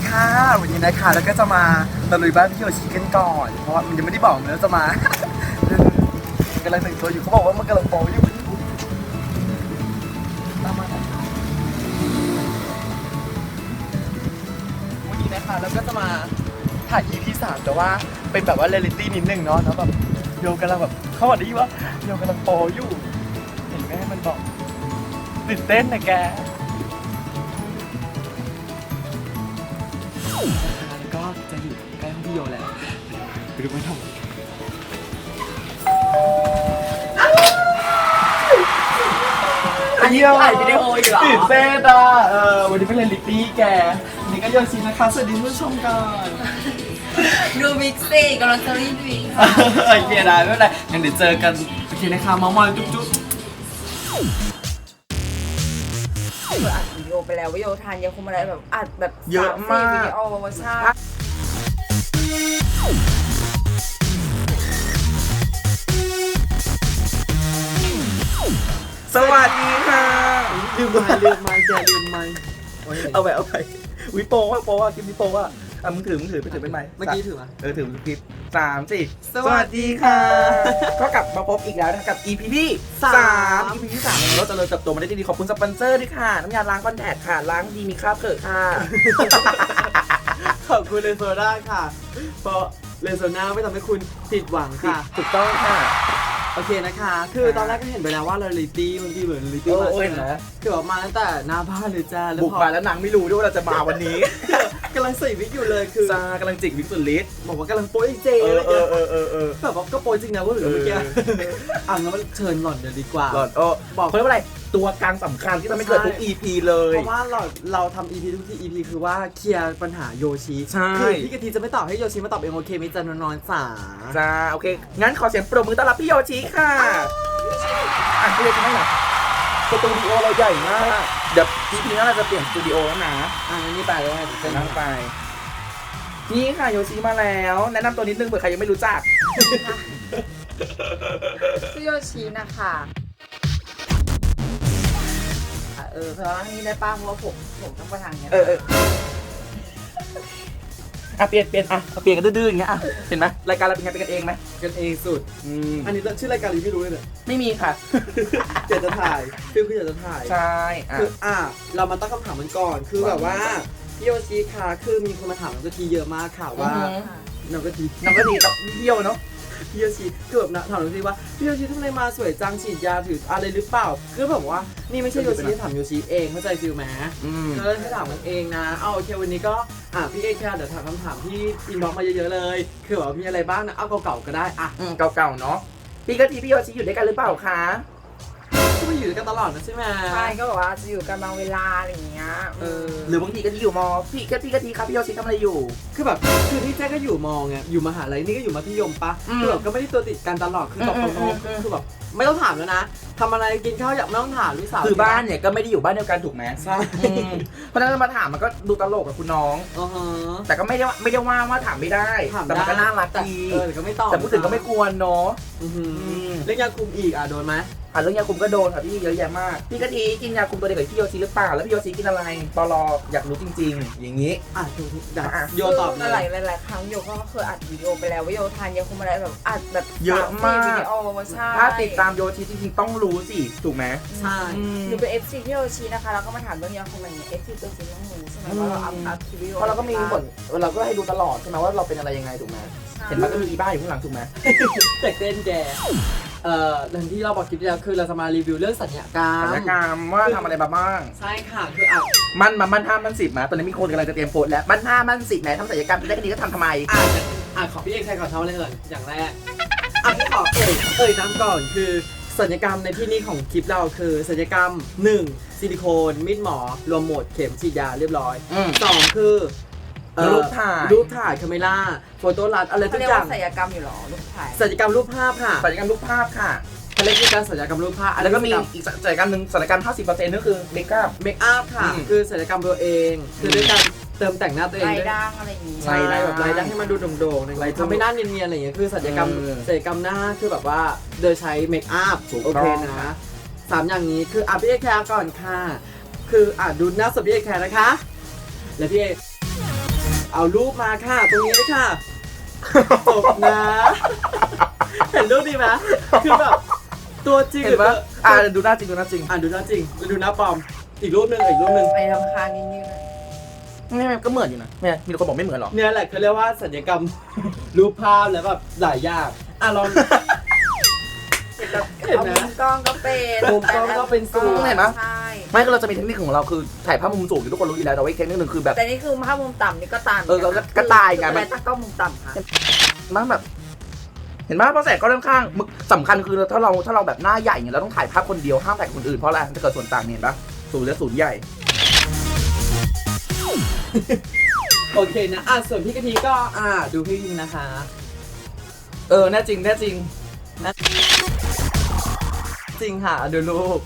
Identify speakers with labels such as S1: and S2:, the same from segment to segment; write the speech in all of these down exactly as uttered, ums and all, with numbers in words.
S1: ค่ะวันนี้นะคะแล้วก็จะมาตะลุยบ้านพี่โยชิกันก่อนเพราะว่ามันยังไม่ได้บอกเลยว่าจะมา กำลังแต่งตัวอยู่เขาบอกว่ามันกำลังโปอยู่ตามมาวันนี้นะคะแล้วก็จะมาถ่าย อี พี สามแต่ว่าเป็นแบบว่าเรียลลิตี้นิดนึงเนาะแล้วแบบโยกำลังแบบเขาบอกได้ว่าโยกำลังโปอยู่เห็นไหมมันบอกตื่นเต้นนะแกแล้วก็จะอยู่ใกล้ห้องพี่โยแล้วไปดูมันทำอันนี้ถ่ายวิดีโออยู่เหรอตื่นเต้นอ่ะเออวันนี้เป็นเรียลลิตี้แกนี่ก็โยชินะคะสวัสดีผู้ชมก่อน
S2: ดูบิ๊กซีกำลังจะรีวิว
S1: โอเคได้ไม่เป็นไรงั้นเดี๋ยวเจอกันโอเคนะคะเมาส์มอยจุ๊บจุ๊บ
S2: เปิดอัดวิดีโอไปแล้ววิดีโอทานยังคงมาได้แบบอัดแบบ
S1: เยอะมาก
S2: วิดีโอใช่
S1: สวัสดีค่ะ
S3: ลืมไม้ลืมไม้แกลืมไม้
S1: เอาไปเอาไปวิโป้ว่าโป้ว่าคลิปวิโป้ว่าอ่ะมึงถือมึงถือไปถือเป็นไม้
S3: เมื่อกี้ถือมา
S1: เออถือคลิปสามสี่สวัสดีค่ะก็กลับมาพบอีกแล้วนะกับ อี พี ที่สาม อี พี ที่สามเราจะเริ่มเติบโตมาได้ดีขอบคุณสปอนเซอร์ด้วยค่ะน้ำยาล้างคอนแทคค่ะล้างดีมีคราบเกิดค่ะ
S3: ขอบคุณเลโซน่าค่ะเพราะเลโซน่าไม่ทำให้คุณผิดหวังค่ะ
S1: ถูกต้องค่ะ
S3: โอเคนะคะคือตอนแรกก็เห็นไปแล้วว่าเรียลลิตี้บางทีเหมือนเรียลลิตี้มาใช่ไหมคือแบบมาตั้งแต่หน้าบ้านเลยจ้า
S1: บุกมาแล้วนางไม่รู้ด้วยว่าเราจะมาวันนี้
S3: กำลังใส่วิกอยู่เลยคือ
S1: จ้ากำลังจิกวิกสุดฤทธิ์
S3: บอกว่ากำลังโป๊ยเจ
S1: เออเออเออเออเออ
S3: แบบว่าก็โป๊ยจริงนะว่าหรือเมื่อกี้อ่ะงั้นมันเชิญหล่อนเดี๋ยวดีกว่า
S1: หล่อนโอ้บอกเขาเรียกว่าอะไรตัวกลางสำคัญที่ทำให้เกิดทุก อี พี เลย
S3: เพราะว่าเราเราทำ อี พี ทุกที่ อี พี คือว่าเคลียร์ปัญหาโยชิ
S1: ใช่
S3: คือพี่กะทิจะไม่ตอบให้โยชิมาตอบเองโอเคไหมจ๊ะน้องๆจ๋า
S1: จ้าโอเคงั้นขอเสียงปรบมือต้อนรับพี่โยชิค่ะอ่ะพี่โยชิให้หน่อยสตูดิโอเราใหญ่มากเดี๋ยว อี พี หน้าเราจะเปลี่ยนสตูดิโอแล้วนะ
S3: อ่ะนี่ไปเลย
S1: จะนั่งไปนี่ค่ะโยชิมาแล้วแนะนำตัวนิดนึงเผื่อใครยังไม่รู้จัก
S2: ชื่อโยชินะคะเออเพราะว่านี่ได้ป้าเพราะว่าผมผมต้องไปทางเนี้ย
S1: เออเอออ่ะเปลี่ยนเปลี่ยนอ่ะเปลี่ยนกันดื้อๆอย่างเงี้ยอ่ะเห็นไหมรายการเราเป็นไงเป็นกันเองไหม
S3: กันเองสุดอันนี้ชื่อรายการรีวิวรู้เลยเนี่ย
S1: ไม่มีค่ะ
S3: อยากจะถ่ายคือคืออยากจะถ่าย
S1: ใช่
S3: คืออ่ะเรามาตั้งคำถามมันก่อนคือแบบว่าพี่โยชิค่ะคือมีคนมาถามน้องกะทิเยอะมากค่ะว่าน้องกะทิ
S1: น้องกะทิต้องเที่ยวเนาะ
S3: พี่โยชิคือแบบถามโยชิว่าพี่โยชิทำไมมาสวยจังฉีดยาถืออะไรหรือเปล่าคือแบบว่านี่ไม่ใช่โยชิที่ถามโยชิเองเข้าใจฟิลไหมก็เลยให้ถามมันเองนะเอาโอเควันนี้ก็อ่ะพี่เอกค่ะเดี๋ยวถามคำถามที่อินบ็อกซ์มาเยอะๆเลยคือว่ามีอะไรบ้างนะเอาเก่าๆก็ได้อ่ะ
S1: เก่าๆเนาะพี่กะทิพี่โยชิอยู่ด้วยกันหรือเปล่าคะ
S3: ก็มาอยู่ด้วยกันตลอดนะใช่ไหม
S2: ใช่ก็บอกว่าจะอยู่กันบางเวลาอะไรอย่างเงี้ย
S3: เออ
S1: หรือบางทีกะทิอยู่มอพี่กะทิกะทิครับพี่โยชิทำอะไรอยู่
S3: คือแบบคือที่แจ๊ก็อยู่มอไงอยู่มหาลัยนี่ก็อยู่มัธยมปะคือแบบก็ไม่ได้ตัวติดกันตลอดคือตอบตรงๆคือแบบไม่ต้องถามแล้วนะทำอะไรกินข้าวอยากไม่ต้องถามลูกสาว
S1: คือบ้านเนี่ยก็ไม่ได้อยู่บ้านเดียวกันถูกไหม
S3: ใช่
S1: เพราะฉะนั้นมาถามมันก็ดูตลกกับคุณน้องแต่ก็ไม่ได้ไม่ได้ว่าว่าถามไม่ได้แต่มันก็น่ารักดี
S3: แต่ก็ไม่ตอบ
S1: แต่พูดถึงก็ไม่ควรเนาะ
S3: เรื่องยาคุมอีกอ่ะโดนไหม
S1: อ่ะเรื่องยาคุมก็โดนค่ะพี่เยอะแยะมากพี่กะทิกินยาคุมตัวเดียวกับพี่โยชิหรือเปล่าแล้วพี่โยชิกินอะไรตลออยากรู้จริงๆอย่างนี้
S3: อ่ะโยตอบ
S2: หลายหลายครั้งโยก็เคยอัดวิดีโอไปแล้วว่าโยทานยาคุมอะไรแบบอัดแบบ
S1: เยอะมาก
S2: วิดีโอใช่
S1: ถ้าติดตามโยชิจริงๆต้องรู้สิถูกไหม
S3: ใช่
S2: หนูเป็น เอฟ ซี พี่โยชินะคะแล้วก็มาถามเรื่องยาคุมอะไรเงี้ย เอฟ ซี ตัวจริงต้องรู้ใช่ไหมว่าเราอัพอัพคลิปวิดีโอ
S1: เพราะเราก็มีผลเราก็ให้ดูตลอดใช่ไหมว่าเราเป็นอะไรยังไงถูกไหมเห็นมันก็มีอีบ้าอยู่ข้างหลังถูกไหม
S3: แตกเต้นแกเอ่ออย่างที่เราบอกคลิปที่แล้วคือเราจะมารีวิวเรื่องสัญญากรรม
S1: สัญญากรรมว่าทำอะไรมาบ้าง
S3: ใช่ค่ะคืออ่ะ
S1: มันมามันห้ามันสิบนะตอนนี้มีคนกำลังจะเตรียมโพสแล้วมันห้ามันสิบไหนทำสัญญากรรมได้แค่นี้ก็ทำทำไม
S3: อ่ะอ่ะขอพี่เอกใครขอทำอะไรก่อนอย่างแรกอ่ะพี่ขอเอ่ยเอ่ยน้ำก่อนคือสัญญกรรมในที่นี้ของคลิปเราคือสัญญกรรมหนึ่งซิลิโคนมีดหมอรวมหมดเข็มฉีดยาเรียบร้อยสองคือ
S1: รูปถ่าย
S3: รูปถ่ายคาเมล่าโฟโต้รัดอะไรทุกอย่าง
S2: ศัลยกรรมอยู่หรอรูปถ่าย
S3: ศัลยกรรมรูปภาพค่ะ
S1: ศัลยกรรมรูปภาพค่ะ
S3: เขาเรียกการศัลยกรรมรูปภาพ
S1: แล้วก็มีอีกศัลยกรรมหนึ่งศัลยกรรม ห้าสิบเปอร์เซ็นต์ นั่นคือเมคอัพ
S3: เมคอัพค่ะคือศัลยกรรมตัวเองคือด้วยการเติมแต่งหน้าตัวเอง
S2: ลายด่างอะไรอย่างงี้
S3: ใช่แบบลายด่างให้มันดูโด่งๆทำให้หน้าเนียนๆอะไรอย่างเงี้ยคือศัลยกรรมศัลยกรรมหน้าคือแบบว่าโดยใช้เมคอัพโอเคนะสามอย่างนี้คืออ่ะพี่เอแคร์ก่อนค่ะคืออ่ะดูหน้าสดพี่เอแคร์นะคะแล้วพี่เอเอารูปมาค่ะ ตรงนี้เลยค่ะจบนะ เห็นรูปดีไหมคือแบบตัวจริง
S1: เห็นปะ
S3: หรือ
S1: อ่าดูหน้าจริงดูหน้าจริง
S3: อ่านดูหน้าจริงดูหน้าปลอมอีกรูปหนึ่งอีกรูปหนึ่ง
S2: ไปทำคางยืดๆเลย
S1: ไม่ไม่ก็เหมือนอยู่นะไม่มีคนบอกไม่เหมือนหรอ
S3: เนี่ยแหละเขาเรียกว่าสัญญกรรม รูปภาพแล้วแบบหลายอย่างอ่ะลอง เห็น
S2: เอา
S3: ไหม
S2: มุมกล้องก็เป็น
S3: มุมกล้องก็เป็นสูง
S1: เห็นปะ
S2: ใช่
S1: ไม่ก็เราจะมีเทคนิคของเราคือถ่ายภาพมุมสูงที่ทุกคนรู้อยู่แล้วแต่ว่าอีกเทคนิคหนึ่งคือแบบ
S2: แต่นี่คือภาพมุมต่ำนี่ก็ตาม
S1: เออก็ก็ตายไงมัน
S2: แต่ตั้งกล้องมุมต่ำค่ะ
S1: มันแบบ เห็นไหมเพราะแสงก็ข้างๆมึกสำคัญคือถ้าเราถ้าเราแบบหน้าใหญ่เนี่ยเราต้องถ่ายภาพคนเดียวห้ามถ่ายกับคนอื่นเพราะอะไรจะเกิดส่วนต่างเนี่ยเห็นปะศูนย์และศูนย์ใหญ่
S3: โอเคนะอ่ะส่วนพี่กะทิก็อ่าดูพี่ยิงนะคะ
S1: เออแน่จริงแน่จริง
S3: จริงค่ะดูรูป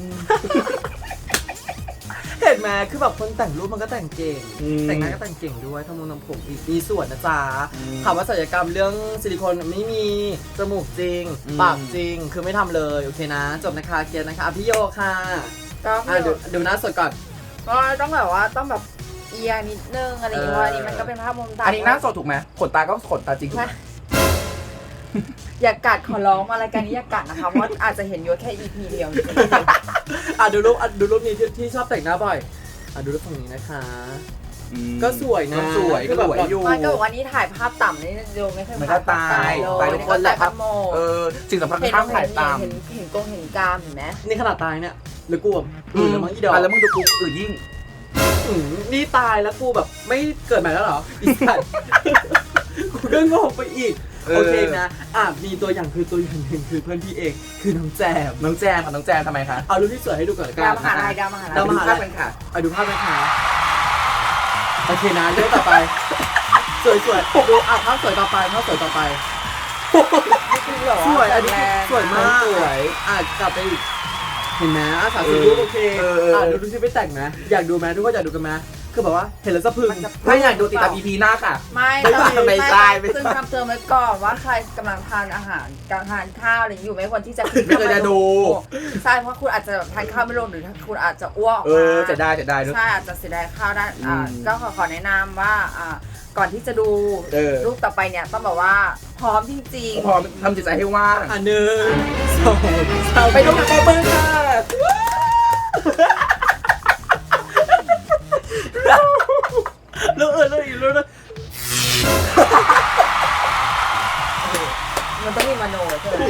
S3: เห็นไหมคือแบบคนแต่งรูปมันก็แต่งเก่ง
S1: อืม
S3: แต่งหน้าก็แต่งเก่งด้วยทำมุมทำผมอีกมีส่วนนะจ๊ะ
S1: อืม
S3: ถามว่าศัลยกรรมเรื่องซิลิโคนไม่มีจมูกจริง
S1: อืม
S3: ปากจริงคือไม่ทำเลยโอเคนะ จบนะคะเกียรตินะคะอ่ะพี่โยค่ะ
S2: ก็
S3: อ่ะดูดูหน้าสดก่อน
S2: ก็ต้องแบบว่าต้องแบบเอียงนิดนึงอะไรอย่างเงี้ยเพราะอันนี้มันก็เป็นภาพมุมต่ำ
S1: อันนี้หน้าสดถูกไหมขนตาก็ขนตาจริงถูกไหม
S2: อย่ากัดขอร้องมารายการนี้อย่ากัดนะคะเพราะว่าอาจจะเห็นอยู่แค่ อี พี เดียว
S3: อ่ะดูรูปอ่ะดูรูปนี้ที่ที่ชอบแต่งหน้าบ่อยอ่ะดูรูปฝั่งนี้นะคะ
S1: อืม
S3: ก็สวยนะ
S1: ก็สวย
S3: คือแบบ
S1: ก็สวยอยู่
S2: มันก็บอกว่านี่ถ่ายภาพต่ำนี่โยไม่เคย
S1: มันก็ตาย
S2: เล
S1: ตาย
S2: ย
S1: ทุกคนแหละครับ
S2: โม
S1: เออสิ่งสำคัญคือ
S2: เห็น
S1: ห้ามถ่ายตาม
S2: เห็นเห็นกงเห็นกามเห็นไหม
S3: นี่ขนาดตายเนี่ยหรือกลัวอืมแล้วมั้งอีดอก
S1: อ่ะแล้วมึงดูกูอื่นยิ่ง
S3: อืมนี่ตายแล้วกูแบบไม่เกิดใหม่แล้วเหรออีสัตว์ กูก็งงไปอีก
S1: เออ
S3: โอเคนะอ่ะมีตัวอย่างคือตัวอย่างหนึ่งคือเพื่อนพี่เองคือน้องแจม
S1: น้องแจมค่ะน้องแจมทำไมคะ
S3: เอารูปที่สวยให้ดูก่อนละกั
S2: ดาวน มหาลัยดาวมหาลัย
S3: ดาวมหาลัย
S1: ดูภพกันค่ะ
S3: เอาดูภาพนะคะโอเคนะเรื่องต่อไป สวยสวยๆดูอ่ะภาพสวยต่อไปภาพสวยต่อไป
S2: คือแบบ
S3: ส
S2: ว่า
S3: วยอันนี้
S2: แรง
S3: สวยมากสวยอ่ะกลับไปอีกเห็นไหมอ่ะสามสิบรูปโอเค
S1: เออเออ
S3: อ่ะดูดูที่ไปแต่งไหมอยากดูไหมทุกคนอยากดูกันไหมคือแบบว่าเห็นแล้วสะพรึง
S1: ถ้าอยากดูติดตาม อี พี หน้าค่ะ
S2: ไม่
S1: ไม่ใช่ไม่ใช่ไม่ใช่
S2: ซึ่งคำเตือนไว้ก่อนว่าใครกำลังทานอาหารกำลังทานข้าวอะไรอยู่ไม่ควรที่จะ
S1: ไม่ควรจะดู
S2: ใช่เพราะคุณอาจจะแบบทานข้าวไม่ลงหรือคุณอาจจะอ้วก
S1: เอ
S2: ออก
S1: อ
S2: มา
S1: จะได้จะได้ด้วย
S2: ใช่อาจจะเสียดายข้าวได้อ่า
S1: อืม
S2: ก็ขอขอแนะนำว่าอ่าก่อนที่จะดู
S1: เออ
S2: รูปต่อไปเนี่ยต้องแบบว่าพร้อมจริง
S1: พอทำจิตใจให้ว่าง
S3: อ่ะหนึ่งสองสาม
S1: ไปดูกับมือค่ะ
S3: แล้วเออแล้วอีกแล้วนะ
S2: ๆ มันต้องมีมโนใช่ไหม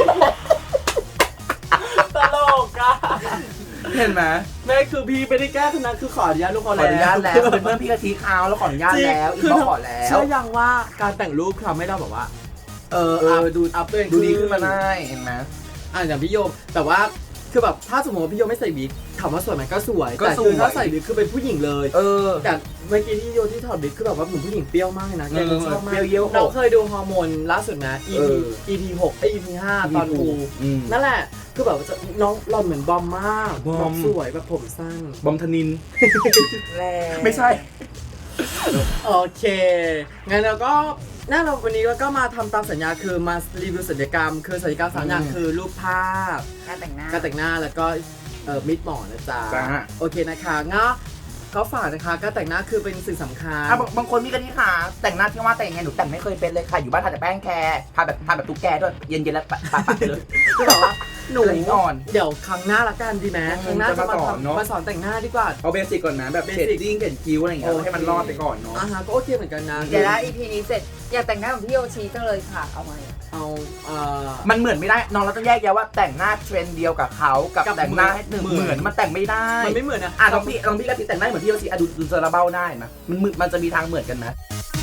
S3: ตลกอ่ะ
S1: เห็นไหม
S3: แม่คือพี่ไม่ได้แก้ทุกนั้นคือขออนุญาตลูก
S1: ข
S3: เขา
S1: อ
S3: แล้ว
S1: อนุญาตแล้วเป็นเพื่อนพี่กะทิเขาแล้วขออนุญาตแล้วอี
S3: คื
S1: กบอกขอแล้ว
S3: เชื่อยังว่าการแต่งรูปทำให้เราแบบว่า เออ
S1: เออ
S3: อัพดูอัพตัวเอง
S1: ดูดีขึ้นมาได้เห็นไหม
S3: อ่ะอย่างพี่โยมแต่ว่าคือแบบถ้าสมมติว่าพี่โยมไม่ใส่บิ๊กถามว่าสวยไหมก็สวย
S1: ก็
S3: แต่
S1: สวย
S3: คือถ้าใส่บิ๊กคือเป็นผู้หญิงเลย
S1: เออ
S3: แต่เมื่อกี้ที่โยที่ถอดบิ๊กคือแบบว่าเหมือนผู้หญิงเปรี้ยวมากเลยนะแก
S1: เออ
S3: ชอบมาก
S1: เปรี้ยวเยี่ยวหก
S3: เราเคยดูฮอร์โมนล่าสุดนะ
S1: เอ
S3: อี พี
S1: อ
S3: อี พี หกไอย อี พี ห้าตอนกู
S1: อืม
S3: นั่นแหละคือแบบว่าจะน้องหล่อนเหมือนบอมมาก
S1: บอม
S3: แบบสวยแบบผมสั้น
S1: บอมธนิน
S2: แรง
S1: ไม่ใช่
S3: โอเค งั้นเราก็น่าเราวันนี้เราก็มาทำตามสัญญาคือมารีวิวศัลยกรรม คือศัลยกรรมสามอย่าง
S1: อืม
S3: คือรูปภาพ
S2: การแต่งหน้า
S3: การแต่งหน้าแล้วก็เอ่อมิดหมอนะจ๊ะ
S1: จ้า
S3: โอเคนะคะงั้นก็ฝากนะคะการแต่งหน้าคือเป็นสิ่งสำคัญ
S1: อ่ะบางบางคนมีกะทิค่ะแต่งหน้าที่ว่าแต่งยังไงหนูแต่งไม่เคยเป็นเลยค่ะอยู่บ้านทาแต่แป้งแคร์ทาแบบทาแบบตุ๊กแกด้วยเย็นๆแล้วปะปะปะไปเลย
S3: คือแบบว่าหนู
S1: ละเอียดอ่อน
S3: เดี๋ยวครั้งหน้าละกันดีไหม
S1: อืม
S3: ครั้งหน้า
S1: จะ
S3: จะ
S1: มา
S3: มา
S1: สอนเนอะ
S3: ทำมาสอนแต่งหน้าดีกว่า
S1: เอาเบสิกก่อนนะแบบ
S3: เบ
S1: เช
S3: สิก
S1: ดดิ้งเขียนคิ้วอะไรอย่างเงี้ย
S3: โอเค
S1: ให้มันรอดไปก่อนเนาะ
S3: อ่าฮะก็โอเคเหมือนกันนะ
S2: เดี๋ยวนะ อี พี นี้เสร็จอยากแต่งหน้าของพี่โยชิจังเลยค่ะเอาไหม
S3: เอาเอ่อ
S1: มันเหมือนไม่ได้น้องเราต้องแยกแยะว่าแต่งหน้าเทรนด์เดียวกับเขากับ
S3: กับ
S1: แต่งหน้าให้หนึ่ง
S3: เหมือน
S1: เหมือนมันแต่งไม่ได้
S3: มันไม่เหมือนนะ
S1: อ่ะลองพี่ลองพี่กะทิแต่งหน้าเหมือนพี่โยชิอ่ะดูดูเซอร์เบ้าได้ไหมมันมึมันจะมีทางเหมือนกันไหม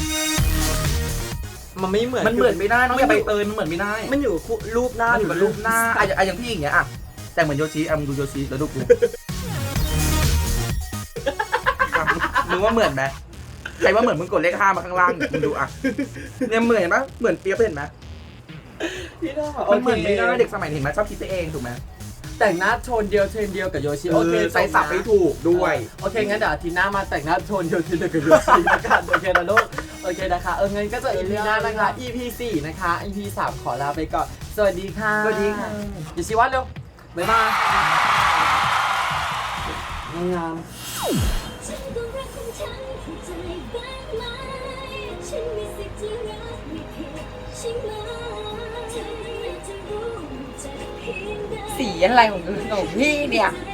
S3: มันไม่เหมือน
S1: มันเหมือนไม่ได้น้องอย่า
S3: มั
S1: ไป
S3: นอยู่
S1: เตยมันเหมือนไม่ได้
S3: มันอยู่กับรูปหน้า
S1: มันอยู่กับรูปหน้าอ่ะอย่างอ่ะอย่างพี่อย่างเงี้ยอ่ะแต่งเหมือนโยชิอ่ะมึงดูโยชิแล้วดูกูอ่ะมึงว่าเหมือนไหมใครว่าเหมือนมึงกดเลขห้ามาข้างล่างเนี่ยมึงดูอ่ะเนี่ยเหมือนปะเหมือนเปียบเห็นไหม
S3: พี่น้อง
S1: มันเหมือนไม่ได้เด็กสมัยนี้เห็นไหมชอบคิดไปเองถูกไหม
S3: แต่งหน้าโทนเดียวเทรนเดียวกับโยชิ
S1: โอเคใส่สับให้ถูกด้วย
S3: โอเคงั้นเดี๋ยวอาทิตย์หน้ามาแต่งหน้าโทนเดียวเทรนเดียวกับโยชิละกันโอเคนะลูกโอเคนะคะเอองั้นก็จะ อี พี หน้านะคะ อี พี สี่นะคะ อี พี สามขอลาไปก่อนสวัสดีค่ะ
S1: สวัสดีค่ะ
S3: โยชิวัดเร็วบ๊ายบายงาม
S4: ฉันก็รักของฉันเข้าใจบ้างไหม
S2: สีอะไรของของพี่เนี่ย